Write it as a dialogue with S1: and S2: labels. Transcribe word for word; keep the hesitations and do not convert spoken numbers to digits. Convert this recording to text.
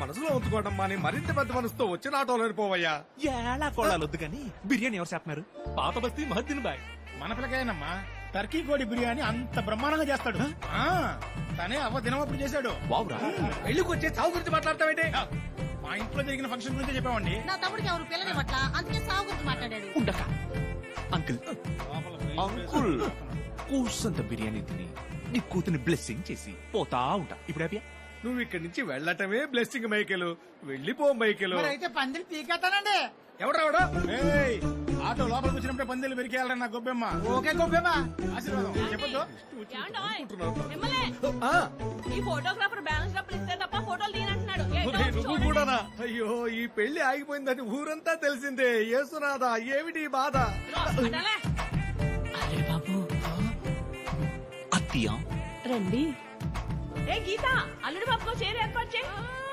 S1: మనసులో ఉంచుకోవడం మాని మరింత పెద్ద మనసుతో వచ్చిన ఆటోలో పోవయ్యా.
S2: ఎలా కొడాలొద్దు కానీ బిర్యానీ ఎవరు చేస్తున్నారు?
S3: పాత బస్తీ మహద్దీన్ బాయ్.
S4: మన పిల్లకాయనమ్మా టర్కీ కోడి బిర్యానీ అంత బ్రహ్మాండంగా చేస్తాడు. ఆ, తనే అవ్వ దినమప్పుడు చేశాడు.
S2: వావురా.
S1: పెళ్లికి వచ్చే చావు గురించి మాట్లాడతావేంటి?
S4: మా ఇంట్లో జరిగిన ఫంక్షన్ గురించి చెప్పామండి.
S5: నా తమ్ముడికి ఎవరు పిల్లని పట్ల అందుకే సాగు గురించి మాట్లాడాడు.
S2: ఉండక అంకుల్ అంకుల్ కూసంత బిర్యానీ తిని నీ కూతుని బ్లెస్సింగ్ చేసి పోతా ఉంటా. ఇప్పుడు హ్యాపీయా?
S1: నువ్వు ఇక్కడి నుంచి వెళ్ళటమే బ్లెస్సింగ్ మైకేలు. వెళ్ళిపో మైకేలు.
S5: అయితే పందిరి పీకేస్తానండి.
S1: ఎవడెవడో
S4: ఏయ్, ఆటో లోపలికి వచ్చినప్పుడే పందిలు పెరికేయాలరా నా గొబ్బెమ్మ.
S5: ఓకే గొప్పేమా.
S4: ఆశీర్వాదం చెప్పొద్దు.
S1: ఆ,
S6: ఈ ఫోటోగ్రాఫర్ బ్యాలెన్స్ డబ్బులు ఇస్తే తప్ప ఫోటోలు తీనంటున్నాడు.
S1: ఒరేయ్, నువ్వు కూడానా? అయ్యో, ఈ పెళ్లి ఆగిపోయిందని ఊరంతా తెలిసిందే. యేసునాథా, ఏమిటి ఈ బాధ?
S2: అరే బాబు అత్తియా
S6: రండి. ఏ గీత, అల్లుడి బాబుకో చీర ఏర్పాటు చేయి.